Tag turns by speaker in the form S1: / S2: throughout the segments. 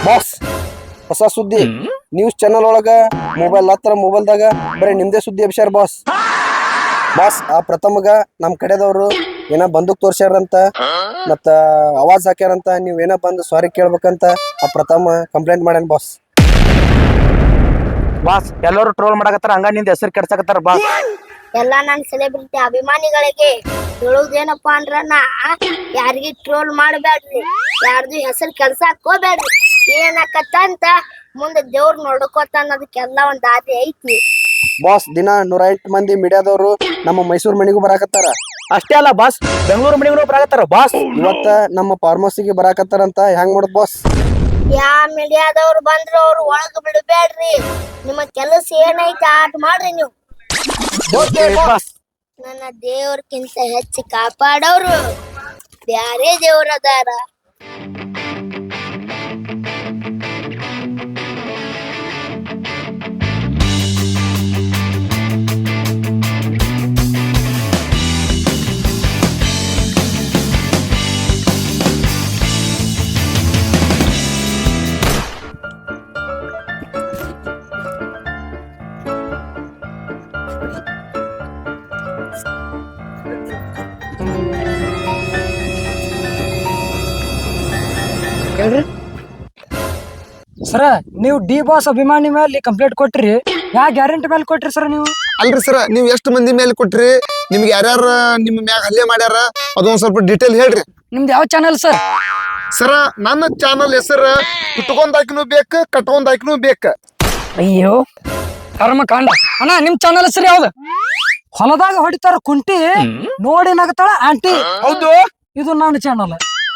S1: Boss ಹೊಸ ಸುದ್ದಿ news channel ಒಳಗ ಮೊಬೈಲ್ ಹತ್ರ ಮೊಬೈಲ್ದಾಗ ಬರೀ ನಿಮ್ದೇ ಸುದ್ದಿ ಅಭಿಷಾರ ಬಾಸ್ ಬಾಸ್ ಆ ಪ್ರಥಮಗ ನಮ್ ಕಡೆದವ್ರು ಏನ ಬಂದೂಕ್ ತೋರ್ಸ್ಯಾರಂತ ಮತ್ತ ಆವಾಜ್ ಹಾಕ್ಯಾರಂತ ನೀವ್ ಏನ ಬಂದು ಸಾರಿ ಕೇಳ್ಬೇಕಂತ ಆ ಪ್ರಥಮ ಕಂಪ್ಲೇಂಟ್ ಮಾಡ್ಯಾನ ಬಾಸ್
S2: ಬಾಸ್ ಎಲ್ಲರೂ ಟ್ರೋಲ್ ಮಾಡಕತ್ತಾರ ಹಂಗ ನಿಂದ ಹೆಸರು ಕೆಡ್ಸಕತ್ತಾರ ಬಾಸ್
S3: ಎಲ್ಲಾ ನನ್ ಸೆಲೆಬ್ರಿಟಿ ಅಭಿಮಾನಿಗಳಿಗೆ ಹೇಳುವುದೇನಪ್ಪಾ ಅಂದ್ರ ನಾ ಯಾರಿಗಿ ಟ್ರೋಲ್ ಮಾಡಬೇಡ್ರಿ ಯಾರ್ದು ಹೆಸರು ಕೆಲ್ಸಕ್ ಹೋಗ್ಬೇಡ್ರಿ ಏನಾಕತ್ತಂತ ಮುಂದೆ ದೇವ್ರ ನೋಡ್ಕೋತ ಅನ್ನೋದಕ್ಕೆಲ್ಲ ಒಂದ್ ದಾರಿ ಐತಿ
S1: ಬಾಸ್ ದಿನ 108 ಮಂದಿ ಮೀಡಿಯಾದವ್ರು ನಮ್ಮ ಮೈಸೂರು ಮನೆಗೂ ಬರಾಕತ್ತಾರ
S2: ಅಷ್ಟೇ ಅಲ್ಲ ಬಾಸ್ ಬೆಂಗಳೂರು ಮನೆಗೂ ಬರಾಕತ್ತಾರ ಬಾಸ್
S1: ಇವತ್ತ ನಮ್ಮ ಫಾರ್ಮಸಿಗೆ ಬರಾಕತ್ತಾರಂತ ಹೆಂಗ್ ಮಾಡೋದ್ ಬಾಸ್
S3: ಯಾ ಮೀಡಿಯಾದವ್ರು ಬಂದ್ರು ಅವ್ರು ಒಳಗ್ ಬಿಡಬೇಡ್ರಿ ನಿಮ್ಮ ಕೆಲಸ ಏನೈತಿ ಆಟ ಮಾಡ್ರಿ ನೀವು
S2: ಬಾಸ್
S3: ನನ್ನ ದೇವ್ರಕ್ಕಿಂತ ಹೆಚ್ಚು ಕಾಪಾಡೋರು ಬ್ಯಾರೆ ದೇವ್ರದಾರ
S4: ಹೇಳ್ರಿ ಸರ ನೀವು ಡಿ ಬಾಸ್ ಅಭಿಮಾನಿ ಮೇಲೆ ಕಂಪ್ಲೇಂಟ್ ಕೊಟ್ರಿ ಯಾ ಗ್ಯಾರಂಟಿ ಮೇಲೆ ಕೊಟ್ರಿ ಸರ್ ನೀವು
S5: ಅಲ್ರಿ ಸರ್ ನೀವ್ ಎಷ್ಟು ಮಂದಿ ಮೇಲೆ ಕೊಟ್ರಿ ನಿಮ್ಗೆ ಯಾರ್ಯಾರ ನಿಮ್ ಮ್ಯಾಗ ಹಲ್ಲೆ ಮಾಡ್ಯಾರ ಅದೊಂದ್ ಸ್ವಲ್ಪ ಡೀಟೇಲ್ ಹೇಳ್ರಿ
S4: ನಿಮ್ದು ಯಾವ ಚಾನಲ್ ಸರ್
S5: ಸರ ನನ್ನ ಚಾನಲ್ ಹೆಸರು ಇಟ್ಕೊಂಡಾಕಿನೂ ಬೇಕ ಕಟ್ಕೊಂಡಾಕಿನೂ ಬೇಕ
S4: ಅಯ್ಯೋ ಕರ್ಮಕಾಂಡ ಅಣ್ಣ ನಿಮ್ ಚಾನಲ್ ಹೆಸರು ಯಾವ್ದು ಹೊಲದಾಗ ಹೊಡಿತಾರ ಕುಂಟಿ ನೋಡಿ ನಗತಾಳ ಆಂಟಿ
S2: ಹೌದು
S4: ಇದು ನನ್ನ ಚಾನಲ್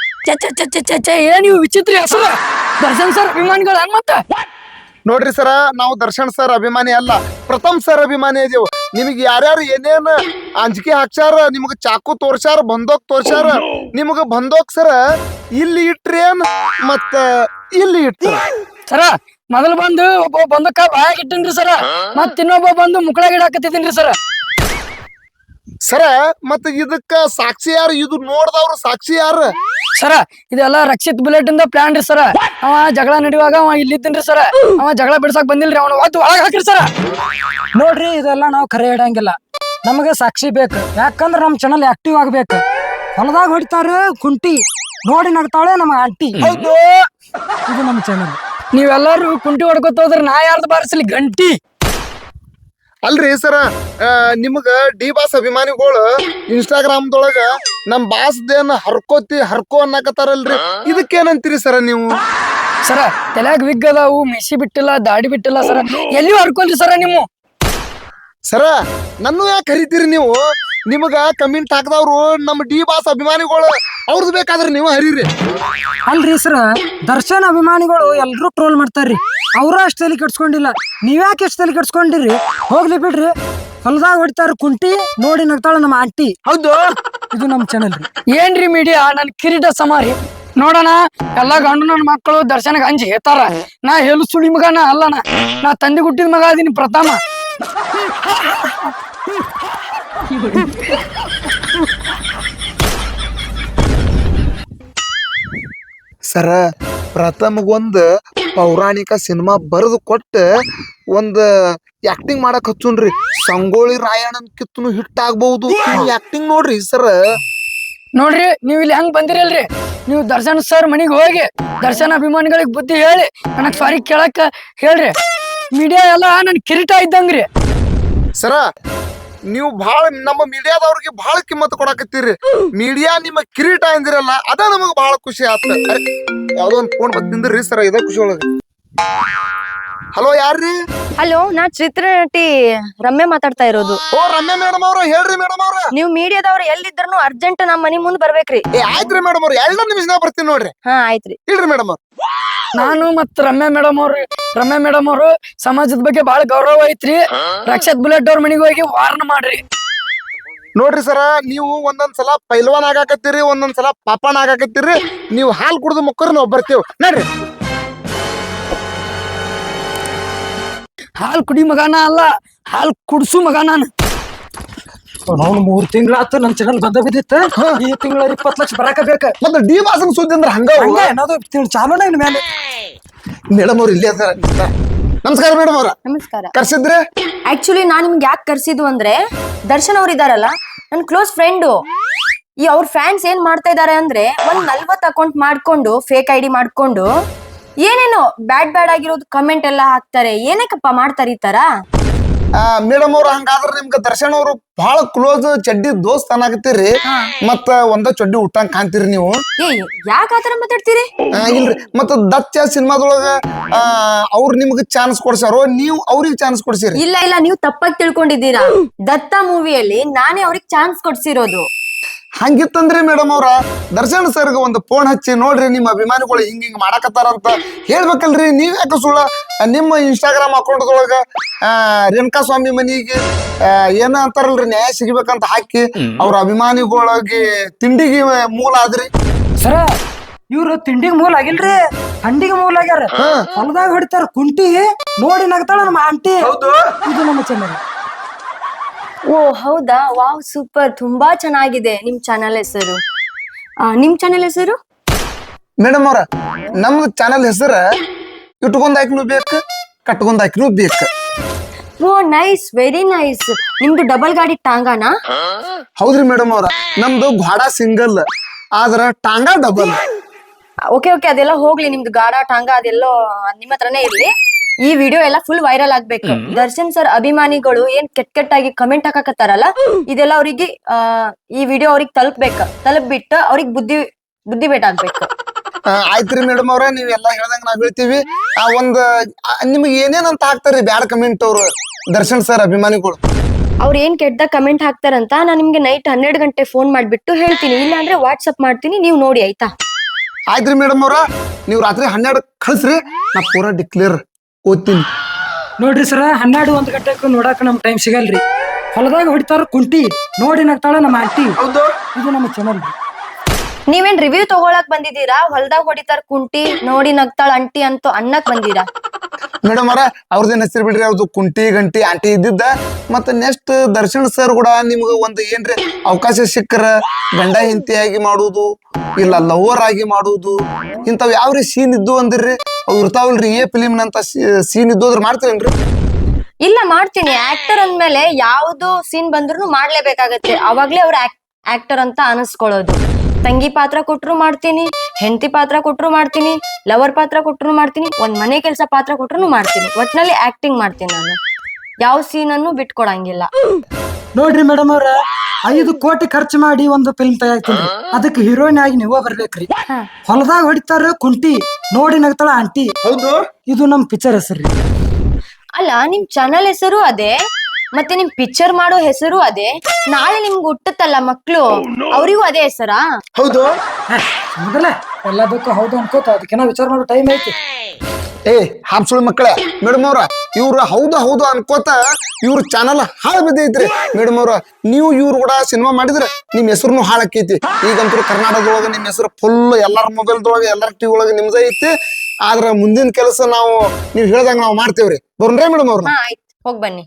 S4: ಏನ್ ನೀವು ವಿಚಿತ್ರ ಹೆಸರು ದರ್ಶನ್ ಸರ್ ಅಭಿಮಾನಿಗಳ ಮತ್ತೆ
S5: ನೋಡ್ರಿ ಸರ ನಾವು ದರ್ಶನ್ ಸರ್ ಅಭಿಮಾನಿ ಅಲ್ಲ ಪ್ರಥಮ್ ಸರ್ ಅಭಿಮಾನಿ ಇದೀವಿ ನಿಮಗೆ ಯಾರ್ಯಾರು ಏನೇನ್ ಅಂಜಿಕೆ ಹಾಕ್ಸಾರ ನಿಮ್ಗ ಚಾಕು ತೋರ್ಸ್ಯಾರ ಬಂದೋಕ್ ತೋರ್ಸ್ಯಾರ ನಿಮ್ಗ ಬಂದೋಕ್ ಸರ ಇಲ್ಲಿ ಇಟ್ರೇನ್ ಮತ್ತ ಇಲ್ಲಿ ಇಟ್ರ
S4: ಸರ ಮೊದಲು ಬಂದು ಒಬ್ಬ ಬಂದಕ್ಕ ಬಾಯಾಗ ಇಟ್ಟನ್ರಿ ಸರ ಮತ್ ಇನ್ನೊಬ್ಬ ಬಂದು ಮುಕ್ಕಳಾಗ ಇಡಾಕತ್ತಿದ್ದೀನ್ರಿ ಸರ
S5: ಸರ ಮತ್ತ ಇದಕ್ಕ ಸಾಕ್ಷಿ ಯಾರು ಇದು ನೋಡ್ದವ್ರು ಸಾಕ್ಷಿ ಯಾರು
S4: ಸರ ಇದೆಲ್ಲ ರಕ್ಷಿತ್ ಬುಲೆಟ್ ಇಂದ ಪ್ಲಾನ್ ರೀ ಸರ ಅವ ಜಗಳ ನಡೆಯುವಾಗ ಅವ ಇಲ್ಲಿದ್ದೀನ್ರಿ ಸರ ಅವ ಜಗಳ ಬಿಡ್ಸಕ್ ಬಂದಿಲ್ರಿ ಅವನು ಒತ್ತು ಒಳಗ್ ಹಾಕ್ರಿ ಸರ ನೋಡ್ರಿ ಇದೆಲ್ಲ ನಾವು ಖರೆ ಇಡಂಗಿಲ್ಲ ನಮಗೆ ಸಾಕ್ಷಿ ಬೇಕು ಯಾಕಂದ್ರ ನಮ್ ಚಾನಲ್ ಆಕ್ಟಿವ್ ಆಗ್ಬೇಕು ಹೊಲದಾಗ ಹೊಡಿತಾರ ಕುಂಟಿ ನೋಡಿ ನಗ್ತಾಳೆ ನಮ್ಮ ಆಂಟಿ ಹೌದು ಇದು ನಮ್ಮ ಚಾನಲ್ ನೀವೆಲ್ಲರೂ ಕುಂಟಿ ಹೊಡ್ಕೊತ ಹೋದ್ರ ನಾ ಯಾರ್ದು ಬಾರಿಸ್ಲಿ ಗಂಟಿ
S5: ಅಲ್ರಿ ಸರ ನಿಮ್ಗ ಡಿ ಬಾಸ್ ಅಭಿಮಾನಿಗಳು ಇನ್ಸ್ಟಾಗ್ರಾಮ್ದೊಳಗ ನಮ್ ಬಾಸ್ದೇನ ಹರ್ಕೋ ಅನ್ನಕತ್ತಾರಲ್ರಿ ಇದಕ್ಕೇನಂತೀರಿ ಸರ ನೀವು
S4: ಸರ ತಲೆಯಾಗ ವಿಗ್ ಅದಾವು ಮಿಸಿ ಬಿಟ್ಟಿಲ್ಲ ದಾಡಿ ಬಿಟ್ಟಿಲ್ಲ ಸರ ಎಲ್ಲಿಯೂ ಹರ್ಕೊಲ್ರಿ ಸರ ನೀವು
S5: ಸರ ನನ್ನೂ ಯಾಕೆ ಹರಿತೀರಿ ನೀವು ನಿಮಗ ಕಮೆಂಟ್ ಹಾಕದವ್ರು ನಮ್ಮ ಡಿ ಬಾಸ್ ಅಭಿಮಾನಿಗಳು ಅವ್ರದ್ದು ಬೇಕಾದ್ರೆ ನೀವು ಹರೀರಿ
S4: ಅಲ್ರಿ ಸರ ದರ್ಶನ್ ಅಭಿಮಾನಿಗಳು ಎಲ್ರು ಟ್ರೋಲ್ ಮಾಡ್ತಾರ್ರಿ ಅವ್ರ ಅಷ್ಟ್ ತಲೆ ಕೆಡ್ಸ್ಕೊಂಡಿಲ್ಲ ನೀವ್ಯಾಕೆ ಎಷ್ಟು ತಲೆ ಕೆಡ್ಸ್ಕೊಂಡಿರಿ ಹೋಗ್ಲಿ ಬಿಡ್ರಿ ಹೊಲದಾಗ ಹೊಡಿತಾರ ಕುಂಟಿ ನೋಡಿ ನಗ್ತಾಳ ನಮ್ಮ ಆಂಟಿ ಹೌದು ಇದು ನಮ್ ಚಾನಲ್ ರೀ ಏನ್ರಿ ಮೀಡಿಯಾ ನನ್ ಕಿರೀಟ ಸಮಾರಿ ನೋಡೋಣ ಎಲ್ಲಾ ಗಂಡು ನನ್ನ ಮಕ್ಕಳು ದರ್ಶನಕ್ಕೆ ಅಂಜಿ ಹೇಳ್ತಾರ ನಾ ಹೇಳು ಸುಳಿ ಮಗನ ಅಲ್ಲನ ನಾ ತಂದೆ ಹುಟ್ಟಿದ ಮಗ ಅದೀನಿ ಪ್ರಥಮ
S5: ಸರ ಪ್ರಥಮಗೊಂದು ಪೌರಾಣಿಕ ಸಿನಿಮಾ ಬರೆದು ಕೊಟ್ಟ ಒಂದ್ ಆಕ್ಟಿಂಗ್ ಮಾಡಕ್ ಹಚ್ಚುನ್ರಿ ಸಂಗೊಳ್ಳಿ ರಾಯಣ್ಣನ್ ಕಿತ್ತನು ಹಿಟ್ ಆಗ್ಬಹುದು ಆಕ್ಟಿಂಗ್ ನೋಡ್ರಿ ಸರ
S4: ನೋಡ್ರಿ ನೀವ್ ಇಲ್ಲಿ ಹೆಂಗ್ ಬಂದಿರಲ್ರಿ ನೀವು ದರ್ಶನ್ ಸರ್ ಮನಿಗ್ ಹೋಗಿ ದರ್ಶನ್ ಅಭಿಮಾನಿಗಳಿಗೆ ಬುದ್ಧಿ ಹೇಳಿ ನನಗ್ ಸಾರಿ ಕೇಳಕ್ಕ ಹೇಳ್ರಿ ಮೀಡಿಯಾ ಎಲ್ಲ ನನ್ ಕಿರೀಟ ಇದ್ದಂಗ್ರಿ
S5: ಸರ ನೀವು ಬಹಳ ನಮ್ಮ ಮೀಡಿಯಾದವ್ರಿಗೆ ಬಹಳ ಕಿಮ್ಮತ್ ಕೊಡಕತ್ತೀರಿ ಮೀಡಿಯಾ ನಿಮ್ಮ ಕಿರೀಟ ಅಂದಿರಲ್ಲ ಅದ ನಮಗ್ ಬಹಳ ಖುಷಿ ಆತ ಯಾವ್ದೋ ಒಂದ್ ಫೋನ್ ಬಂದಿಂದ್ರಿ ಸರ ಇದ ಖುಷಿ ಒಳಗ ಹಲೋ ಯಾರ್ರಿ
S6: ಹಲೋ ನಾ ಚಿತ್ರನಟಿ ರಮ್ಯ ಮಾತಾಡ್ತಾ ಇರೋದು
S5: ಓ ರಮ್ಯಾ ಮೇಡಮ್ ಅವ್ರ ಹೇಳ್ರಿ ಮೇಡಮ್ ಅವ್ರ
S6: ನೀವು ಮೀಡಿಯಾದವ್ರು ಎಲ್ಲಿದ್ರು ಅರ್ಜೆಂಟ್ ನಮ್ಮ ಮನಿ ಮುಂದ್ ಬರ್ಬೇಕ್ರಿ
S5: ಏ ಆಯ್ತ್ರಿ ಮೇಡಮ್ ಅವ್ರ 2 ನಿಮಿಷ ಬರ್ತೀನಿ ನೋಡ್ರಿ
S6: ಹಾ ಆಯ್ತ್ರಿ
S5: ಇಲ್ರಿ ಮೇಡಮ್ ಅವ್ರ
S4: ನಾನು ಮತ್ ರಮ್ಯಾ ಮೇಡಮ್ ಅವರು ಸಮಾಜದ ಬಗ್ಗೆ ಬಹಳ ಗೌರವ ಐತ್ರಿ ರಕ್ಷತ್ ಬುಲೆಟ್ ಅವ್ರ ಮನಿಗೆ ಹೋಗಿ ವಾರ್ನ್ ಮಾಡ್ರಿ
S5: ನೋಡ್ರಿ ಸರ ನೀವು ಒಂದೊಂದ್ಸಲ ಪೈಲ್ವಾನ್ ಆಗಾಕತ್ತೀರಿ ಒಂದೊಂದ್ಸಲ ಪಾಪಣ್ಣ ಆಗಾಕತ್ತೀರಿ ನೀವು ಹಾಲು ಕುಡ್ದು ಮುಕ್ಕರ್ ನಾವ್ ಬರ್ತೀವಿ ನೋಡ್ರಿ
S4: ಹಾಲ್ ಕುಡಿ ಮಗನ ಅಲ್ಲ ಹಾಲ್ ಕುಡ್ಸು ಮಗ ನಾನು ನಾವು 3 ತಿಂಗಳಾತು ನನ್ ಚಾನಲ್ ಬಂದ ಬಿದ್ದಿತ್ತ ಈ ತಿಂಗಳ 20 ಲಕ್ಷ ಬರಾಕ ಬೇಕ
S5: ಮತ್ತೆ ಡಿ ಬಾಸನ್ ಸುದ್ದಿ ಅಂದ್ರೆ ಹಂಗ
S4: ಏನಾದ್ರು ಚಾಲೋನ ಇನ್ ಮೇಲೆ
S5: ಮೇಡಮ್ ಅವ್ರು ಇಲ್ಲೇ ಅದಾರ. ನಮಸ್ಕಾರ ಮೇಡಮ್ ಅವ್ರ.
S6: ನಮಸ್ಕಾರ.
S5: ಕರ್ಸಿದ್ರೆ
S6: ಆಕ್ಚುಲಿ ನಾನ್ ನಿಮ್ಗೆ ಯಾಕೆ ಕರ್ಸಿದ್ದು ಅಂದ್ರೆ ದರ್ಶನ್ ಅವ್ರು ಇದಾರಲ್ಲ ನನ್ ಕ್ಲೋಸ್ ಫ್ರೆಂಡು. ಈ ಅವ್ರ ಫ್ಯಾನ್ಸ್ ಏನ್ ಮಾಡ್ತಾ ಇದಾರೆ ಅಂದ್ರೆ 40 ಅಕೌಂಟ್ ಮಾಡ್ಕೊಂಡು ಫೇಕ್ ಐಡಿ ಮಾಡ್ಕೊಂಡು ಏನೇನೋ ಬ್ಯಾಡ್ ಆಗಿರೋದು ಕಮೆಂಟ್ ಎಲ್ಲ ಹಾಕ್ತಾರೆ. ಏನಕ್ಕಪ್ಪ ಮಾಡ್ತಾರೆ ಈ ತರ?
S5: ಮೇಡಮ್ ಅವ್ರ ಹಂಗಾದ್ರ ನಿಮ್ಗೆ ದರ್ಶನ್ ಅವ್ರು ಬಹಳ ಕ್ಲೋಸ್ ಚಡ್ಡಿ ದೋಸ್ತ್ ಅನ್ನಾಗತ್ತೀರಿ. ಮತ್ತ ಒಂದ ಚಡ್ಡಿ ಉಟ್ಟಂಗ್ ಕಾಣ್ತೀರಿ ನೀವು.
S6: ಯಾಕೆ ಆತರ ಮಾತಾಡ್ತೀರಿ?
S5: ಇಲ್ರಿ ಮತ್ತ ದಚ್ಚ ಸಿನಿಮಾದೊಳಗ ಅವ್ರು ನಿಮ್ಗೆ ಚಾನ್ಸ್ ಕೊಡ್ಸಾರೋ ನೀವು ಅವ್ರಿಗೆ ಚಾನ್ಸ್ ಕೊಡ್ಸಿರಿ?
S6: ಇಲ್ಲ ನೀವು ತಪ್ಪಾಗಿ ತಿಳ್ಕೊಂಡಿದ್ದೀರಾ. ದತ್ತ ಮೂವಿಯಲ್ಲಿ ನಾನೇ ಅವ್ರಿಗೆ ಚಾನ್ಸ್ ಕೊಡ್ಸಿರೋದು.
S5: ಹಂಗಿತ್ತಂದ್ರಿ ಮೇಡಮ್ ಅವ್ರ ದರ್ಶನ್ ಸರ್ಗ ಒಂದು ಫೋನ್ ಹಚ್ಚಿ ನೋಡ್ರಿ ನಿಮ್ಮ ಅಭಿಮಾನಿಗಳು ಹಿಂಗ್ ಮಾಡಕತ್ತಾರಂತ ಹೇಳ್ಬೇಕಲ್ರಿ. ನೀವ್ ಯಾಕೆ ಸುಳ್ಳ ನಿಮ್ಮ ಇನ್ಸ್ಟಾಗ್ರಾಮ್ ಅಕೌಂಟ್ದೊಳಗ ರೇಣುಕಾ ಸ್ವಾಮಿ ಮನಿಗೆ ಏನ ಅಂತಾರಲ್ರಿ ನ್ಯಾಯ ಸಿಗ್ಬೇಕಂತ ಹಾಕಿ ಅವ್ರ ಅಭಿಮಾನಿಗಳಿಗೆ ತಿಂಡಿಗೆ ಮೂಲ ಆದ್ರಿ.
S4: ಸರ ಇವ್ರು ತಿಂಡಿಗೆ ಮೂಲ ಆಗಿಲ್ರಿ, ಹಂಡಿಗೆ ಮೂಲ ಆಗ್ಯಾರ. ಹೊಲದಾಗ ಹೊಡಿತಾರ ಕುಂಟಿ, ನೋಡಿ ನಗ್ತಾಳ ನಮ್ಮ ಆಂಟಿ. ಇದು ನಮ್ಮ ಚಾನಲ್.
S6: ಓ ಹೌದಾ, ವಾವ್ ಸೂಪರ್, ತುಂಬಾ ಚೆನ್ನಾಗಿದೆ ನಿಮ್ ಚಾನಲ್ ಹೆಸರು. ನಿಮ್ ಚಾನಲ್ ಹೆಸರು?
S5: ಮೇಡಮ್ ಅವ್ರ ನಮ್ದು ಚಾನಲ್ ಹೆಸರ ಇಟ್ಕೊಂಡ್ ಹಾಕಿನೂ ಬೇಕು, ಕಟ್ಕೊಂಡ್ ಹಾಕಿನೂ ಬೇಕು.
S6: Oh nice, very nice. ನಿಮ್ದು ಡಬಲ್ ಗಾಡಿ ಟಾಂಗಾನಾ?
S5: ಹೌದ್ರಿ ಮೇಡಮ್ ಅವ್ರ ನಮ್ದು ಘಾಡ ಸಿಂಗಲ್ ಆದ್ರ ಟಾಂಗಾ ಡಬಲ್.
S6: ಓಕೆ ಅದೆಲ್ಲ ಹೋಗ್ಲಿ, ನಿಮ್ದು ಗಾಡ ಟಾಂಗಾ ಅದೆಲ್ಲೋ ನಿಮ್ಮ ಹತ್ರನೇ ಇರ್ಲಿ. ಈ ವಿಡಿಯೋ ಎಲ್ಲ ಫುಲ್ ವೈರಲ್ ಆಗ್ಬೇಕು. ದರ್ಶನ್ ಸರ್ ಅಭಿಮಾನಿಗಳು ಏನ್ ಕೆಟ್ಟಾಗಿ ಕಮೆಂಟ್ ಹಾಕಕತ್ತಾರಲ್ಲ, ಇದೆಲ್ಲ ಅವ್ರಿಗೆ ಈ ವಿಡಿಯೋ ಅವ್ರಿಗೆ ತಲುಪ್ಬಿಟ್ಟು ಅವ್ರಿಗೆ ಬುದ್ಧಿ ಬೇಟಾಗ್ಬೇಕು.
S5: ಆಯ್ತ್ರಿ ಮೇಡಮ್ ಅವ್ರ ನೀವೆಲ್ಲ ಹೇಳ್ದಂಗ ನಾವ್ ಹೇಳ್ತೀವಿ. ನಿಮ್ಗೆ ಏನೇನಂತ ಹಾಕ್ತಾರ್ರಿ ಬ್ಯಾಡ್ ಕಮೆಂಟ್ ಅವ್ರು ದರ್ಶನ್ ಸರ್ ಅಭಿಮಾನಿಗಳು?
S6: ಅವ್ರು ಏನ್ ಕೆಟ್ಟದಾಗ ಕಮೆಂಟ್ ಹಾಕ್ತಾರಂತ ನಾನ್ ನಿಮ್ಗೆ ನೈಟ್ 12 ಗಂಟೆ ಫೋನ್ ಮಾಡ್ಬಿಟ್ಟು ಹೇಳ್ತೀನಿ, ಇಲ್ಲ ಅಂದ್ರೆ ವಾಟ್ಸಪ್ ಮಾಡ್ತೀನಿ, ನೀವು ನೋಡಿ ಆಯ್ತಾ?
S5: ಆಯ್ತ್ರಿ ಮೇಡಮ್ ಅವ್ರ ನೀವು ರಾತ್ರಿ 12 ಕಳ್ಸ್ರಿ, ನಾ ಪೂರಾ ಡಿಕ್ಲೇರ್ ಓದ್ತೀನಿ.
S4: ನೋಡ್ರಿ ಸರ 12-1 ಗಂಟೆಗೂ ನೋಡಾಕ ನಮ್ ಟೈಮ್ ಸಿಗಲ್ರಿ. ಹೊಲದಾಗ ಹೊಡಿತಾರ ಕುಂಟಿ, ನೋಡಿ ನಗ್ತಾಳ ನಮ್ಮ ಆಂಟಿ. ಇದು ನಮ್ಮ ಚಾನಲ್.
S6: ನೀವೇನ್ ರಿವ್ಯೂ ತಗೊಳಕ್ ಬಂದಿದ್ದೀರಾ? ಹೊಲ್ದಾಗ ಹೊಡಿತಾರ ಕುಂಟಿ, ನೋಡಿ ನಗ್ತಾಳ ಅಂಟಿ ಅಂತ ಅನ್ನಕ್ ಬಂದಿರಾ?
S5: ಮೇಡಮ್ ಅವ್ರ ಅವ್ರದೇನ್ ಹೆಸರು ಬಿಡ್ರಿ, ಅವ್ರದ್ದು ಕುಂಟಿ ಗಂಟಿ ಆಂಟಿ ಇದ್ದಿದ್ದ. ಮತ್ತೆ ನೆಕ್ಸ್ಟ್ ದರ್ಶನ್ ಸರ್ ಕೂಡ ನಿಮ್ಗ ಒಂದು ಏನ್ರಿ ಅವಕಾಶ ಸಿಕ್ಕರ ಗಂಡ ಹೆಂಡತಿಯಾಗಿ ಮಾಡುವುದು, ಇಲ್ಲ ಲವರ್ ಆಗಿ ಮಾಡುವುದು, ಇಂಥವ್ ಯಾವ್ರಿ ಸೀನ್ ಇದ್ದು ಅಂದಿರ್ರಿ ಅವ್ ಇರ್ತಾವಲ್ರಿ ಏ ಫಿಲಿಮ್ ನಂತ ಸೀನ್ ಇದ್ದು ಅದ್ರ ಮಾಡ್ತೀರೇನ್ರಿ?
S6: ಇಲ್ಲ ಮಾಡ್ತೀನಿ. ಆಕ್ಟರ್ ಅಂದ್ಮೇಲೆ ಯಾವ್ದು ಸೀನ್ ಬಂದ್ರು ಮಾಡ್ಲೇಬೇಕಾಗತ್ತೆ, ಅವಾಗ್ಲೇ ಅವ್ರ ಆಕ್ಟರ್ ಅಂತ ಅನಿಸ್ಕೊಳ್ಳೋದು. ತಂಗಿ ಪಾತ್ರ ಕೊಟ್ರು ಮಾಡ್ತೀನಿ, ಹೆಂಡತಿ ಪಾತ್ರ ಕೊಟ್ರು ಮಾಡ್ತೀನಿ, ಲವರ್ ಪಾತ್ರ ಕೊಟ್ರು ಮಾಡ್ತೀನಿ, ಒಂದ್ ಮನೆ ಕೆಲಸ ಪಾತ್ರ ಕೊಟ್ರು ಮಾಡ್ತೀನಿ. ಒಟ್ನಲ್ಲಿ ಆಕ್ಟಿಂಗ್ ಮಾಡ್ತೀನಿ ನಾನು, ಯಾವ ಸೀನ್ ಅನ್ನು ಬಿಟ್ಕೊಡಂಗಿಲ್ಲ.
S4: ನೋಡ್ರಿ ಮೇಡಮ್ ಅವ್ರ 5 ಕೋಟಿ ಖರ್ಚು ಮಾಡಿ ಒಂದು ಫಿಲ್ಮ್ ತಯಾರಿಸ್ತೀನಿ, ಅದಕ್ಕೆ ಹೀರೋಯಿನ್ ಆಗಿ ನೀವ ಬರ್ಬೇಕ್ರಿ. ಹೊಲದಾಗ ಹೊಡಿತಾರ ಕುಂಟಿ, ನೋಡಿ ನಗ್ತಾಳ ಆಂಟಿ.
S5: ಹೌದು,
S4: ಇದು ನಮ್ ಪಿಕ್ಚರ್ ಹೆಸರು.
S6: ಅಲ್ಲ ನಿಮ್ ಚಾನಲ್ ಹೆಸರು ಅದೇ, ಮತ್ತೆ ನಿಮ್ ಪಿಕ್ಚರ್ ಮಾಡೋ ಹೆಸರು ಅದೇ. ನಾಳೆ ನಿಮ್ಗೆ ಹುಟ್ಟತ್ತಲ್ಲ ಮಕ್ಳು, ಅವರಿಗೂ ಅದೇ ಹೆಸರಾ?
S5: ಹೌದು.
S4: ಮೊದಲ ಎಲ್ಲದಕ್ಕೂ ಹೌದು ಅನ್ಕೋತ ಅದಕ್ಕೆನ ವಿಚಾರ ಮಾಡೋ ಟೈಮ್ ಐತಿ.
S5: ಹಾಪ್ಸುಳು ಮಕ್ಕಳೇ, ಮೇಡಮ್ ಅವ್ರ ಇವ್ರ ಹೌದು ಅನ್ಕೋತ ಇವ್ರ ಚಾನಲ್ ಹಾಳು ಬಿದ್ದೈತ್ರಿ. ಮೇಡಮ್ ಅವ್ರ ನೀವು ಇವ್ರು ಕೂಡ ಸಿನಿಮಾ ಮಾಡಿದ್ರೆ ನಿಮ್ ಹೆಸರು ಹಾಳಾಕೈತಿ. ಈಗಂತೂ ಕರ್ನಾಟಕದೊಳಗ ನಿಮ್ ಹೆಸರು ಫುಲ್ ಎಲ್ಲಾರ ಮೊಬೈಲ್ದೊಳಗೆ ಎಲ್ಲಾರ ಟಿವಿ ಒಳಗೆ ನಿಮ್ದೇ ಐತಿ. ಆದ್ರ ಮುಂದಿನ ಕೆಲಸ ನೀವು ಹೇಳ್ದಂಗ ನಾವು ಮಾಡ್ತೇವ್ರಿ. ಬರೋಣ್ರಿ ಮೇಡಮ್ ಅವ್ರ?
S6: ಆಯ್ತು, ಹೋಗ್ ಬನ್ನಿ.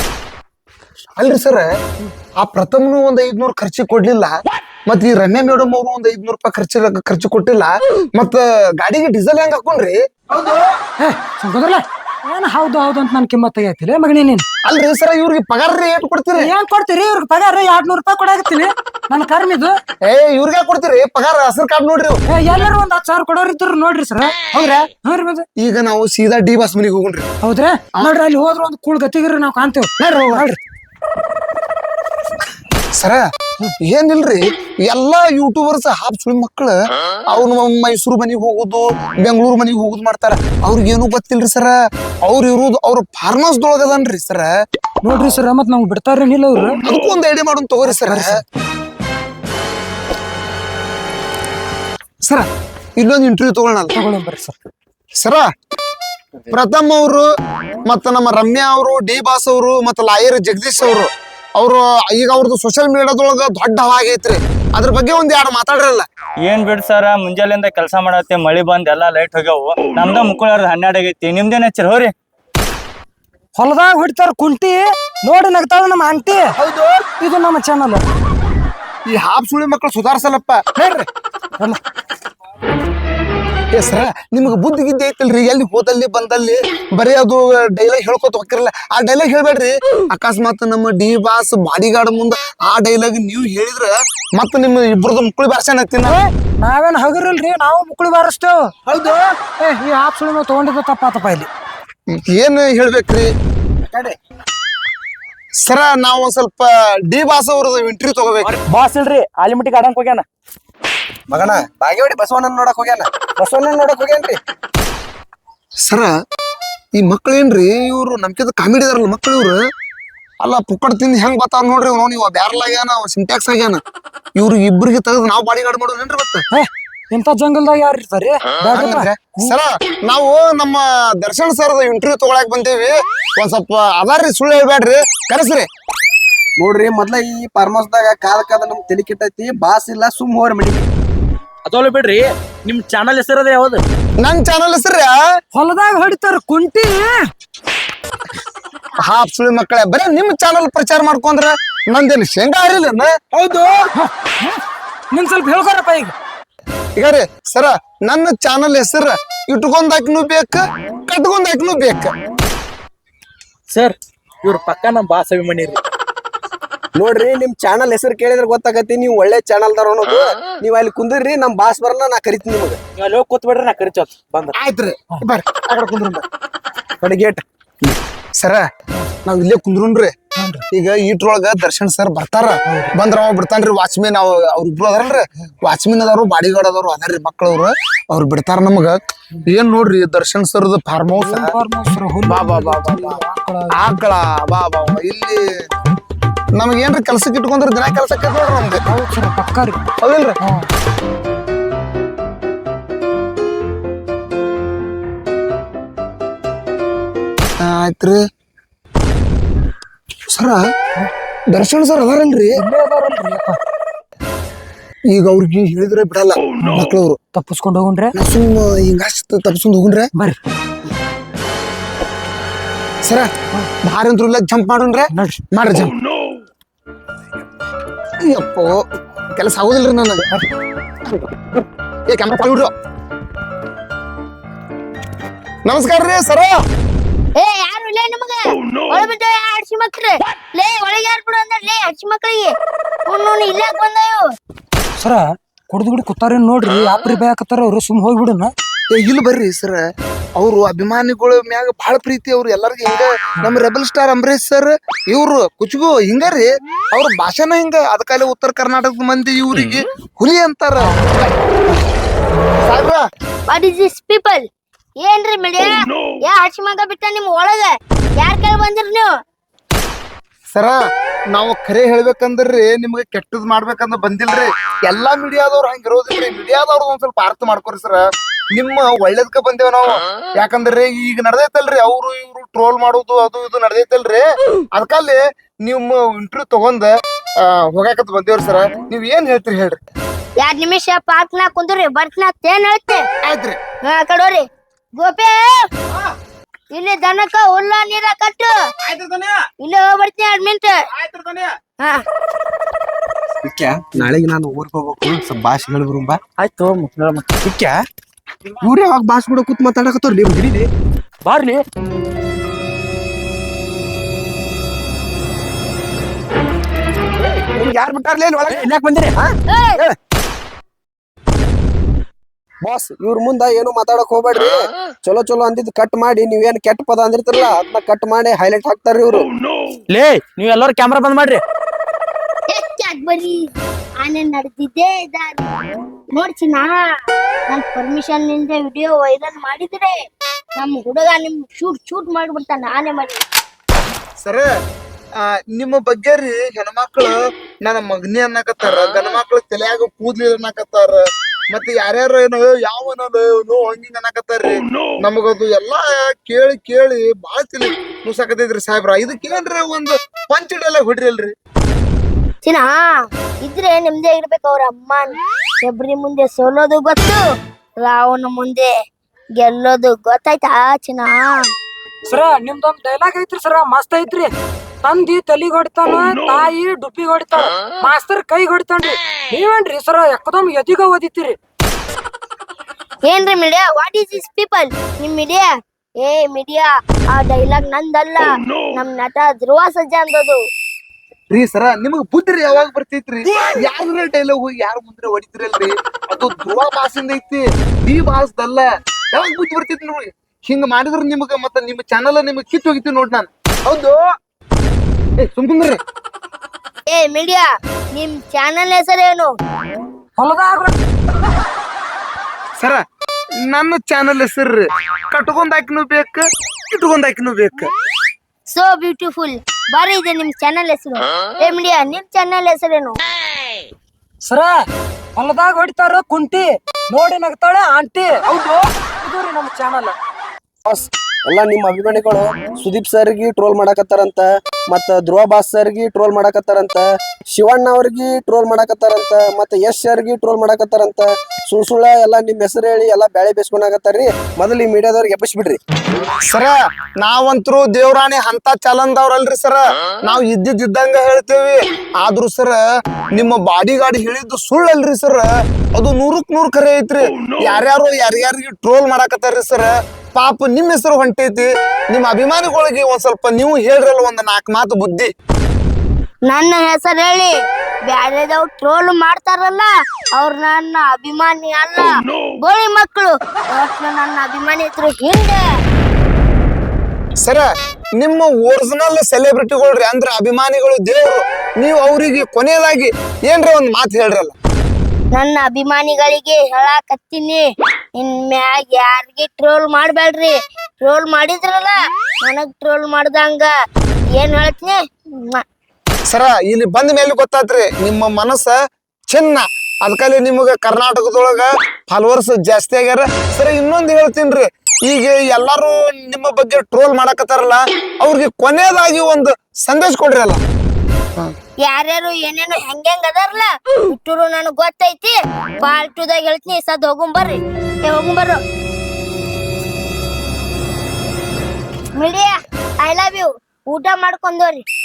S5: ಅಲ್ರಿ ಸರ್, ಆ ಪ್ರಥಮನು ಒಂದ್ 500 ಖರ್ಚು ಕೊಡ್ಲಿಲ್ಲ, ಮತ್ ಈ ರಮ್ಯಾ ಮೇಡಮ್ ಅವರು ಒಂದ್ 500 ರೂಪಾಯಿ ಖರ್ಚು ಕೊಟ್ಟಿಲ್ಲ, ಮತ್ತ ಗಾಡಿಗೆ ಡೀಸೆಲ್ ಹೆಂಗ್ ಹಾಕೊಂಡ್ರಿ?
S4: ಏನ್ ಹೌದು ಅಂತ ನನ್ ಕಿಮ್ಮತ್ ತೆಗಿತಿಲ್ಲ ಮಗನಿ ನೀನ್.
S5: ಅಲ್ರಿ ಸರ್, ಇವ್ರಿಗೆ ಪಗಾರ ಏಟ್ ಕೊಡ್ತೀರಿ?
S4: ಏನ್ ಕೊಡ್ತೀರಿ ಇವ್ರಿಗೆ ಪಗಾರ? 200 ರೂಪಾಯಿ ಕೊಡಾಕತ್ತೀನಿ ನನ್ ಕರ್ಮಿದು.
S5: ಇವ್ರಿಗೆ ಕೊಡ್ತೀರಿ ಪಗಾರ? ಹಸಿರು ಕಾರ್ಡ್ ನೋಡ್ರಿ.
S4: ಎಲ್ಲರೂ ಒಂದ್ 10,000 ಕೊಡೋರ್ ಇದ್ರು ನೋಡ್ರಿ ಸರ್.
S5: ಹೌದ್ರಾ?
S4: ಮತ್ತೆ
S5: ಈಗ ನಾವು ಸೀದಾ ಡಿ ಬಾಸ್ ಮನಿಗೆ ಹೋಗ್ರಿ.
S4: ಹೌದ್ರಾ? ನೋಡ್ರಿ ಅಲ್ಲಿ ಹೋದ್ರ ಒಂದು ಕೂಳ್ ಗತಿಗಿರಿ ನಾವು ಕಾಣ್ತೇವ್. ನೋಡ್ರಿ
S5: ಸರ ಏನಿಲ್ರಿ, ಎಲ್ಲಾ ಯೂಟ್ಯೂಬರ್ಸ್ ಹಾಪ್ಸುಳಿ ಮಕ್ಳು ಅವ್ನು ಮೈಸೂರು ಮನಿಗ್ ಹೋಗುದು, ಬೆಂಗಳೂರು ಮನಿಗ್ ಹೋಗುದು ಮಾಡ್ತಾರ. ಅವ್ರಿಗೇನು ಗೊತ್ತಿಲ್ರಿ ಸರ. ಅವ್ರು ಇರುದು ಅವ್ರ ಫಾರ್ಮ್ ಹೌಸ್ ದೊಳಗದನ್ರಿ ಸರ.
S4: ನೋಡ್ರಿ ಸರ್, ಮತ್ ನಮ್ಗೆ ಬಿಡ್ತಾರ ಇಲ್ಲ ಅವ್ರು.
S5: ಅದಕ್ಕೂ ಒಂದ್ ಐಡಿಯಾ ಮಾಡೋನ್ ತಗೋರಿ ಸರ. ಸರ ಇಲ್ಲೊಂದು ಇಂಟರ್ವ್ಯೂ ತಗೊಳ್ಳೋಣ
S4: ಬರ್ರಿ ಸರ್.
S5: ಸರ, ಪ್ರಥಮ್ ಅವರು ಮತ್ತ ನಮ್ಮ ರಮ್ಯಾ ಅವರು, ಡಿ ಬಾಸ್ ಅವರು, ಮತ್ತ ಲಾಯರ್ ಜಗದೀಶ್ ಅವರು ಈಗ ಅವ್ರದ್ದು ಸೋಷಿಯಲ್ ಮೀಡಿಯಾದೊಳಗ ದೊಡ್ಡ ಹವಾ ಆಗೈತ್ರಿ. ಅದ್ರ ಬಗ್ಗೆ ಒಂದ್ 2 ಮಾತಾಡ್ರಲ್ಲ.
S2: ಏನ್ ಬಿಡ್ ಸರ, ಮುಂಜಾನೆಯಿಂದ ಕೆಲಸ ಮಾಡತ್ತೆ, ಮಳಿ ಬಂದ್ ಎಲ್ಲಾ ಲೈಟ್ ಹೋಗ್ಯಾವು. ನಮ್ದ ಮುಕ್ಕಳಾರ್ದ 12 ಆಗೈತಿ, ನಿಮ್ದೇನ್ ಹಚ್ಚಿರ ಹೋರಿ?
S4: ಹೊಲದಾಗ ಹೊಡಿತಾರ ಕುಂಟಿ, ನೋಡಿ ನಗ್ತಾಳ ನಮ್ಮ ಆಂಟಿ.
S5: ಹೌದು,
S4: ಇದು ನಮ್ಮ ಚಾನಲ್.
S5: ಈ ಹಾಪ್ ಸುಳಿ ಮಕ್ಕಳು ಸುಧಾರ್ಸಲ್ಲಪ್ಪ. ಹೇಳ್ರಿ. ಏ ಸರ ನಿಮ್ಗೆ ಬುದ್ಧಿ ಗಿದ್ದಿ ಐತಿಲ್ರಿ ಎಲ್ಲಿ ಹೋದಲ್ಲಿ ಬಂದಲ್ಲಿ ಬರೀ ಅದು ಡೈಲಾಗ್ ಹೇಳ್ಕೊತ ಹೋಗಿರಲ್ಲ ಆ ಡೈಲಾಗ್ ಹೇಳ್ಬೇಡ್ರಿ ಅಕಸ್ಮಾತ್ ನಮ್ಮ ಡಿ ಬಾಸ್ ಬಾಡಿ ಗಾರ್ಡ್ ಮುಂದ ಆ ಡೈಲಾಗ್ ನೀವು ಹೇಳಿದ್ರ ಮತ್ತ ನಿಮ್ಮ ಇಬ್ರದ್ದು ಮುಕ್ಕಳಿ ಬಾರ್ಸನ್ ಹತ್ತಿನ
S4: ನಾವೇನ್ ಹಗರಲ್ರಿ ನಾವು ಮುಕ್ಕಳಿ ಬಾರಿಸ್ತೇವ್ ಹೌದು ಈ ಆಪ್ ಸುಳಿ ನಾವು ತಗೊಂಡಿದ್ದು ತಪ್ಪಾತಪ್ಪ ಇಲ್ಲಿ
S5: ಏನ್ ಹೇಳ್ಬೇಕ್ರಿ ಸರ ನಾವು ಒಂದ್ ಸ್ವಲ್ಪ ಡಿ ಬಾಸ್ ಅವ್ರದ್ದು ಇಂಟರ್ವ್ಯೂ ತಗೋಬೇಕು
S2: ಬಾಸ್ ಇಲ್ರಿ ಆಲಿಮಟ್ಟಿಗೆ ಆಡಂಕ್ ಹೋಗ್ಯಾನ.
S1: ಮಗನ ಬಾಗೇವಾಡಿ ಬಸವಣ್ಣನ ನೋಡಕ್ ಹೋಗ್ಯಾನ. ಬಸವಣ್ಣನ ನೋಡಕ್ ಹೋಗ್ಯಾನ್ರಿ.
S5: ಸರ ಈ ಮಕ್ಳೇನ್ರಿ ಇವ್ರು ನಮ್ಕಿಂತ ಕಾಮಿಡಿ ಇದಾರಲ್ಲ ಮಕ್ಳು ಇವ್ರು ಅಲ್ಲ ಪುಕ್ಕಡ್ ತಿಂದು ಹೆಂಗ್ ಬರ್ತಾವ ನೋಡ್ರಿ ಅವ್ನು ಇವ ಬ್ಯಾರಲ್ ಆಗ್ಯಾನ ಅವ ಸಿಂಟ್ಯಾಕ್ಸ್ ಆಗ್ಯಾನ ಇವ್ರು ಇಬ್ರಿಗೆ ತೆಗೆದು ನಾವು ಬಾಡಿ ಗಾರ್ಡ್ ಮಾಡೋದೇನ್ರಿ ಮತ್ತೆ
S4: ಇಂಥ ಜಂಗಲ್ದಾಗ ಯಾರು ಇರ್ತಾರಿ
S5: ಸರ ನಾವು ನಮ್ಮ ದರ್ಶನ್ ಸರ್ದ ಇಂಟರ್ವ್ಯೂ ತಗೊಳಕ್ ಬಂದೇವಿ ಒಂದ್ ಸ್ವಲ್ಪ ಅದಾರ್ರಿ ಸುಳ್ಳು ಹೇಳ್ಬೇಡ್ರಿ ಕರೆಸ್ರಿ
S1: ನೋಡ್ರಿ ಮೊದ್ಲ ಈ ಫಾರ್ಮ್ ಹೌಸ್ ದಾಗ ಕಾದ ನಮ್ ತಲೆ ಕೆಟ್ಟೈತಿ ಬಾಸ್ ಇಲ್ಲ ಸುಮ್ ಹೋರ್ ಮನಿಗೆ.
S2: ಅದೋಲ್ ಬಿಡ್ರಿ ನಿಮ್ ಚಾನಲ್ ಹೆಸರದ ಯಾವ್ದು?
S5: ನನ್ ಚಾನಲ್ ಹೆಸ್ರಿ
S4: ಹೊಲದಾಗ ಹೊಡಿತಾರ ಕುಂಟಿ
S5: ಹಾಪ್ ಸುಳಿ ಮಕ್ಕಳೇ ಬರೀ ನಿಮ್ ಚಾನಲ್ ಪ್ರಚಾರ ಮಾಡ್ಕೊಂಡ್ರ ನಂದೇನು ಶೇಂಗಾ ಹರಿಲ್ಲ
S4: ಹೌದು ನಿನ್ ಸ್ವಲ್ಪ ಹೇಳ್ಕೊರಪ್ಪ
S5: ಈಗ ರೀ ಸರ ನನ್ನ ಚಾನಲ್ ಹೆಸರು ಇಟ್ಕೊಂಡಾಕಿನೂ ಬೇಕ ಕಟ್ಕೊಂಡಾಕಿನೂ ಬೇಕ
S2: ಸರ್ ಇವ್ರ ಪಕ್ಕ ನಮ್ ಬಾಸ್ ಅಭಿಮಾನಿ ರೀ.
S1: ನೋಡ್ರಿ ನಿಮ್ ಚಾನಲ್ ಹೆಸರು ಕೇಳಿದ್ರೆ ಗೊತ್ತಾಗತ್ತಿ ನೀವು ಒಳ್ಳೆ ಚಾನಲ್ ದಾರ ಅನ್ನೋದು. ನೀವ್ ಅಲ್ಲಿ ಕುಂದ್ರಿ ನಮ್ ಬಾಸ್ ಬರಲ್ಲ ನಾ ಕರಿತೀನಿ ನಿಮಗೆ.
S2: ಅಲ್ಲಿ ಹೋಗಿ ಕೂತ್ ಬಿಡ್ರಿ ನಾ ಕರಿಚೋತ್ ಬಂದ.
S5: ಆಯ್ತ್ರಿ ಬರ್ರಿ ಆ ಕಡೆ ಕುಂದ್ರಿ
S1: ನೋಡಿ ಗೇಟ್.
S5: ಸರ ನಾವ್ ಇಲ್ಲೇ ಕುಂದ್ರುನ್ರಿ ಈಗ ಈಟ್ರೊಳಗ ದರ್ಶನ್ ಸರ್ ಬರ್ತಾರ ಬಂದ್ರ ಅವ ಬಿಡ್ತಾನ್ರಿ ವಾಚ್ಮೆನ್ ಅವ್ರಿಬ್ರು ಅದಾರಲ್ರಿ ವಾಚ್ಮೆನ್ ಅದಾರು ಬಾಡಿ ಗಾರ್ಡ್ ಅದಾರು ಅದಾರ್ರಿ ಮಕ್ಳವ್ರು ಅವ್ರು ಬಿಡ್ತಾರ ನಮಗ ಏನ್ ನೋಡ್ರಿ ದರ್ಶನ್ ಸರ್ದ ಫಾರ್ಮ್ ಹೌಸ್ ಬಾ ಬಾ ಬಾ ಬಾ ಬಾ ಆಕಳ ಬಾ ಬಾ ಇಲ್ಲಿ ನಮಗ್ ಏನ್ರಿ ಕೆಲ್ಸಕ್ಕೆ ಇಟ್ಕೊಂಡ್ರಿ ದಿನ ಕೆಲ್ಸಕ್ಕೆ ನೋಡ್ರಿ ನಮ್ಗೆ ಹೌದಿಲ್ರಿ ಆಯ್ತ್ರಿ ಸರ ದರ್ಶನ್ ಸರ್ ಅದಾರಲ್ರಿ ಈಗ ಅವ್ರಿಗೆ ಹೇಳಿದ್ರೆ ಬಿಡಲ್ಲ ಮಕ್ಳವ್ರು
S4: ತಪ್ಪಿಸ್ಕೊಂಡು ಹೋಗುಣ್ರೆ
S5: ಸುಮ್ಮ ಹಿಂಗಾಷ್ಟ ತಪ್ಸ್ಕೊಂಡ್ ಹೋಗುಣ್ರೆ
S4: ಬರ್ರಿ
S5: ಸರ ಭಾರಿ ಅಂತ್ರು ಜಂಪ್ ಮಾಡೋಣ್ರೆ ಮಾಡ್ರಿ ಜಂಪ್ ಅಯ್ಯಪ್ಪೋ ಕೆಲಸ ಆಗೋದಿಲ್ರಿ ನನಗೆ ಏ ಕ್ಯಾಮ್ರಾ ತಗೊಳ್ರಿ ನಮಸ್ಕಾರ ರೀ ಸರ
S3: ಏ ಯಾರು ಲೇ ನಿಮಗ ಒಳಬಿದ್ದ ಹಡ್ಸಿ ಮಕ್ಳು ಲೇ ಒಳಗೆ ಯಾರು ಬಿಡು ಅಂದ್ರ ಲೇ ಹಡ್ಸಿ ಮಕ್ಳಿಗೆ ಇಲ್ಲೇ ಬಂದವು
S4: ಸರ ಕುಡ್ದು ಗಿಡ ಕೂತಾರೇನ್ ನೋಡ್ರಿ ಯಾಪ್ರಿ ಬೇಕತ್ತಾರ ಅವ್ರು ಸುಮ್ ಹೋಗ್ಬಿಡನ
S5: ಏ ಇಲ್ಲಿ ಬರ್ರಿ ಸರ್ ಅವರು ಅಭಿಮಾನಿಗಳ ಮ್ಯಾಗ ಬಹಳ ಪ್ರೀತಿ ಅವ್ರು ಎಲ್ಲರಿಗೂ ಹಿಂಗ ನಮ್ಮ ರೆಬಲ್ ಸ್ಟಾರ್ ಅಂಬರೀಶ್ ಸರ್ ಇವ್ರು ಕುಚುಗು ಹಿಂಗಾರಿ ಅವ್ರ ಭಾಷಣ ಹಿಂಗ ಅದಕ್ಕಾಲಿ ಉತ್ತರ ಕರ್ನಾಟಕದ ಮಂದಿ ಇವ್ರಿಗೆ ಹುಲಿ ಅಂತಾರ ಸಾಹೇಬ್ರ
S3: ವಾಟ್ ಇಸ್ ದಿಸ್ ಪೀಪಲ್ ಏನ್ರಿ ಮಿಡಿಯ ಯಾ ಹಡ್ಸಿ ಮಗ ಬಿಟ್ಟ ನಿಮ್ ಒಳಗ ಯಾರ್ ಕೈ ಬಂದಿರಿ ನೀವು
S5: ಸರ ನಾವು ಖರೆ ಹೇಳ್ಬೇಕಂದ್ರಿ ನಿಮ್ಗೆ ಕೆಟ್ಟದ್ ಮಾಡ್ಬೇಕಂದ್ರ ಬಂದಿಲ್ರಿ ಎಲ್ಲಾ ಮೀಡಿಯಾದವ್ರು ಹಂಗಿರೋದಿಲ್ರಿ ಮೀಡಿಯಾದವ್ರು ಒಂದ್ ಸ್ವಲ್ಪ ಅರ್ಥ ಮಾಡ್ಕೊರಿ ಸರ ನಿಮ್ಮ ಒಳ್ಳೇದಕ್ಕ ಬಂದೇವ್ ನಾವು ಯಾಕಂದ್ರೆ ಈಗ ನಡ್ದೈತಲ್ರಿ ಅವ್ರು ಇವ್ರು ಟ್ರೋಲ್ ಮಾಡೋದು ಅದು ಇದು ನಡ್ದೈತಲ್ರಿ ಅದಕ್ಕಲ್ಲಿ ನಿಮ್ಮ ಇಂಟರ್ವ್ಯೂ ತಗೊಂಡ ಹೋಗಾಕತ್ ಬಂದೇವ್ರಿ ಸರ ನೀವ್ ಏನ್ ಹೇಳ್ತೀರಿ ಹೇಳ್ರಿ
S3: 2 ನಿಮಿಷ ಪಾರ್ಕ್ ನಾ ಕುಂದ್ರಿ ಬರ್ತೀನಿ ಏನ್ ಹೇಳ್ತೆ
S5: ಆಯ್ತ್ರಿ
S3: ಆ ಕಡೋರಿ ಗೋಪಿ ಇಲ್ಲಿ ದನಕ್ಕ ಹುಲ್ಲ ನೀರ ಕಟ್ಟು ಇಲ್ಲಿ ಹೋಗ್ಬರ್ತೀನಿ 2 ಮಿನಿಟ್ ಹಾ
S1: ನಾಳೆಗೆ ನಾನು ಊರ್ಗ್ ಹೋಗ್ಬೇಕು ಸ್ವಲ್ಪ ಭಾಷೆ ಹೇಳ್ಬಿರುಂಬ.
S2: ಆಯ್ತು
S1: ಇಕ್ಕ್ಯಾ ಇವ್ರು ಯಾವಾಗ ಭಾಷೆ ಕೂಡ ಕೂತ್ ಮಾತಾಡಕತ್ತವ್ರಿ ನೀವು ಹಿಡೀರಿ
S2: ಬಾರ್ಲಿ
S1: ಯಾರು ಬಿಟ್ಟಾರ್ಲೇ ಒಳಗೆ
S2: ಇಲ್ಲಾಕ್ ಬಂದಿರಿ
S1: ಬಾಸ್ ಇವ್ರ ಮುಂದ ಏನು ಮಾತಾಡಕ್ ಹೋಗ್ಬೇಡ್ರಿ. ಚಲೋ ಚಲೋ ಅಂದಿದ್ ಕಟ್ ಮಾಡಿ ನೀವೇನ್ ಕೆಟ್ಟ ಪದ ಅಂದಿರ್ತಾರಲ್ಲ ಅದನ್ನ ಕಟ್ ಮಾಡಿ ಹೈಲೈಟ್ ಹಾಕ್ತಾರ್ರಿ ಇವ್ರು.
S2: ಲೇ ನೀವ್ ಎಲ್ಲರೂ ಕ್ಯಾಮ್ರಾ ಬಂದ್ ಮಾಡ್ರಿ.
S3: ಬರೀ ಆನೆ ನಡೆದಿದ್ದೇ ನೋಡ್ಸಿನಾ ನನ್ ಪರ್ಮಿಷನ್ ನಿಂದ ವಿಡಿಯೋ ವೈರಲ್ ಮಾಡಿದ್ರೆ ನಮ್ ಹುಡುಗ ನಿಮ್ ಶೂಟ್ ಮಾಡ್ಬಿಡ್ತಾನ ಆನೆ ಮಾಡಿ
S5: ಸರ ನಿಮ್ಮ ಬಗ್ಗೆ ರೀ ಹೆಣ್ಮಕ್ಳು ನನ್ನ ಮಗನಿ ಅನ್ನಕತ್ತಾರ ಗಂಡ ಮಕ್ಳು ತಲೆಯಾಗ ಕೂದ್ಲಿ ಅನ್ನಕತ್ತಾರ ಮತ್ತೆ ಯಾರ್ಯಾರು ಏನೋ ಯಾವನೋ ಹಂಗಿಂಗ್ ಅನ್ನಕತ್ತಾರ್ರಿ ನಮಗದು ಎಲ್ಲಾ ಕೇಳಿ ಕೇಳಿ ಬಾಳ ತಲೆ ನುಸಾಕತೈತ್ರಿ ಸಾಹೇಬ್ರ ಇದಕ್ಕೇನ್ರಿ ಒಂದು ಪಂಚ್ ಡೈಲಾಗ್ ಹೊಡ್ರಿ ಅಲ್ರಿ
S3: ಚಿನ್ನ ಇದ್ರೆ ನಿಮ್ದೇ ಇರ್ಬೇಕು ಅವ್ರ ಅಮ್ಮ ಶಬರಿ ಮುಂದೆ ಸೋಲೋದು ಗೊತ್ತು ರಾವಣ ಮುಂದೆ ಗೆಲ್ಲೋದು ಗೊತ್ತಾಯ್ತಾ ಚಿನ್ನ
S4: ಸರ ನಿಮ್ದೊಂದ್ ಡೈಲಾಗ್ ಐತ್ರಿ ಸರ ಮಸ್ತ್ ಐತ್ರಿ ತಂದಿ ತಲಿಗ್ ಹೊಡಿತಾನ ತಾಯಿ ಡುಪ್ಪಿಗ್ ಹೊಡಿತಾನ ಮಾಸ್ತರ್ ಕೈಗ್ ಹೊಡಿತಾನ್ರಿ ನೀವೇನ್ರಿ ಸರ ಎಕ್ಕದಮ್ ಎದಿಗ ಓದಿತ್ತೀರಿ
S3: ಏನ್ರಿ media what is this people ನಿಮ್ ಮೀಡಿಯಾ ಏ ಮೀಡಿಯಾ ಆ ಡೈಲಾಗ್ ನಂದಲ್ಲ ನಮ್ ನಟ ಧ್ರುವ ಸರ್ಜಾ ಅಂದದು
S5: ರೀ ಸರ ನಿಮಗ್ ಬುದ್ಧಿ ಯಾವಾಗ ಬರ್ತೈತ್ರಿ ಯಾರ ಡೈಲಾಗ್ ಹೋಗಿ ಯಾರ ಮುಂದೆ ಹೊಡಿತಿರಲ್ರಿ ಅದು ಧ್ರುವ ಭಾಷೆಯಿಂದ ಐತಿ ಈ ಭಾಷದಲ್ಲ ಯಾವಾಗ ಬುದ್ಧಿ ಬರ್ತೈತಿ ನೋಡಿ ಹಿಂಗ ಮಾಡಿದ್ರ ನಿಮಗ ಮತ್ತ ನಿಮ್ಮ ಚಾನಲ್ ನಿಮಗ್ ಕಿತ್ ಹೋಗಿತಿ ನೋಡ್ ನಾನು ಹೌದು ಸುಮ್ಕುಂದ್ರಿ
S3: ಏ ಮೀಡಿಯಾ ನಿಮ್ ಚಾನಲ್ ಹೆಸರೇನು
S4: ಹೊಲದಾಗ
S5: ಸರ ನನ್ನ ಚಾನಲ್ ಹೆಸರು ಕಟ್ಕೊಂಡಾಕಿನೂ ಬೇಕ ಇಟ್ಕೊಂಡಾಕಿನೂ ಬೇಕ
S3: ಸೋ ಬ್ಯೂಟಿಫುಲ್ ಬಾರಿ ಇದೆ ನಿಮ್ ಚಾನಲ್ ಹೆಸರು ಏ ಮೀಡಿಯಾ ನಿಮ್ ಚಾನಲ್ ಹೆಸರೇನು
S4: ಸರ ಹೊಲದಾಗ ಹೊಡಿತಾರ ಕುಂಟಿ ನೋಡಿ ನಗ್ತಾಳೆ ಆಂಟಿ ಹೌದು ಇದು ರೀ ನಮ್ಮ ಚಾನಲ್
S1: ಬಾಸ್ ಎಲ್ಲ ನಿಮ್ಮ ಅಭಿಮಾನಿಗಳು ಸುದೀಪ್ ಸರ್ಗಿ ಟ್ರೋಲ್ ಮಾಡಕತ್ತಾರಂತ ಮತ್ತ ಧ್ರುವ ಬಾಸ್ ಸರ್ಗಿ ಟ್ರೋಲ್ ಮಾಡಕತ್ತಾರಂತ ಶಿವಣ್ಣ ಅವ್ರಿಗೆ ಟ್ರೋಲ್ ಮಾಡಕತ್ತಾರಂತ ಮತ್ತ ಯಶ್ ಸರ್ಗಿ ಟ್ರೋಲ್ ಮಾಡಕತ್ತಾರಂತ ಸುಳ್ಳ ಎಲ್ಲ ನಿಮ್ ಹೆಸರು ಹೇಳಿ ಎಲ್ಲಾ ಬ್ಯಾಳೆ ಬೇಸ್ಕೊಂಡಾಗತ್ತಾರ್ರಿ ಮೊದಲು ಈ ಮೀಡಿಯಾದವ್ರಿಗೆ ಎಬ್ಬಿಸ್ಬಿಡ್ರಿ
S5: ಸರ ನಾವಂತ್ರು ದೇವ್ರಾಣಿ ಅಂತ ಚಲಂದವ್ರಲ್ರಿ ಸರ ನಾವ್ ಇದ್ದಿದ್ದಂಗ ಹೇಳ್ತೇವಿ ಆದ್ರೂ ಸರ ನಿಮ್ಮ ಬಾಡಿ ಗಾಡಿ ಹೇಳಿದ್ದು ಸುಳ್ಳಲ್ರಿ ಸರ್ ಅದು 100ಕ್ಕೆ 100 ಖರೆ ಐತ್ರಿ ಯಾರ್ಯಾರು ಯಾರ್ಯಾರಿಗೆ ಟ್ರೋಲ್ ಮಾಡಾಕತ್ತಾರ್ರಿ ಸರ್ ಪಾಪ ನಿಮ್ ಹೆಸರು ಹೊಂಟೈತಿ ನಿಮ್ಮ ಅಭಿಮಾನಿಗಳಿಗೆ ಒಂದ್ ಸ್ವಲ್ಪ ನೀವು ಹೇಳ್ರಲ್ಲ ಒಂದ್ 4 ಮಾತು ಬುದ್ಧಿ
S3: ನನ್ನ ಹೆಸರು ಹೇಳಿ ಬ್ಯಾರೆದವ್ರು ಟ್ರೋಲ್ ಮಾಡ್ತಾರಲ್ಲ ಅವ್ರ ನನ್ನ ಅಭಿಮಾನಿ ಅಲ್ಲ ಬೋಳಿ ಮಕ್ಕಳು ನನ್ನ ಅಭಿಮಾನಿ ಇದ್ರು ಹಿಂದೆ
S5: ಸರ ನಿಮ್ಮ ಒರಿಜಿನಲ್ ಸೆಲೆಬ್ರಿಟಿಗಳ್ರಿ ಅಂದ್ರ ಅಭಿಮಾನಿಗಳು ದೇವ್ರು ನೀವು ಅವರಿಗೆ ಕೊನೆಯದಾಗಿ ಏನ್ರಿ ಒಂದ್ ಮಾತು ಹೇಳ್ರಲ್ಲ
S3: ನನ್ನ ಅಭಿಮಾನಿಗಳಿಗೆ ಹೇಳಾಕತ್ತೀನಿ ಇನ್ ಮ್ಯಾಗ ಯಾರಿಗೆ ಟ್ರೋಲ್ ಮಾಡ್ಬೇಡ್ರಿ ಟ್ರೋಲ್ ಮಾಡಿದ್ರಲ್ಲ ನನಗ್ ಟ್ರೋಲ್ ಮಾಡ್ದಂಗ ಏನ್ ಹೇಳ್ತೀನಿ
S5: ಸರ ಇಲ್ಲಿ ಬಂದ ಮೇಲೆ ಗೊತ್ತಾತ್ರಿ ನಿಮ್ಮ ಮನಸ್ಸ ಚಿನ್ನ ಅದಕ್ಕಲ್ಲಿ ನಿಮಗ ಕರ್ನಾಟಕದೊಳಗ ಫಾಲೋವರ್ಸ್ ಜಾಸ್ತಿ ಆಗ್ಯಾರ ಸರ ಇನ್ನೊಂದ್ ಹೇಳ್ತೀನ್ರಿ ಈಗ ಎಲ್ಲಾರು ನಿಮ್ಮ ಬಗ್ಗೆ ಟ್ರೋಲ್ ಮಾಡಕತ್ತಾರಲ್ಲ ಅವ್ರಿಗೆ ಕೊನೆಯದಾಗಿ ಒಂದು ಸಂದೇಶ ಕೊಡ್ರಿ ಅಲ್ಲ
S3: ಯಾರ್ಯಾರು ಏನೇನು ಹೆಂಗ್ ಅದಾರಲ್ಲ ಬಿಟ್ಟರು ನನಗ್ ಗೊತ್ತೈತಿ ಪಾಲ್ಟುದಾಗ ಹೇಳ್ತೀನಿ ಸದ್ ಹೋಗುಂಬರ್ರಿ ಹೋಗುಂಬರ್ರು ಮೀಡಿಯಾ ಐ ಲವ್ ಯು ಊಟ ಮಾಡ್ಕೊಂಡೋರಿ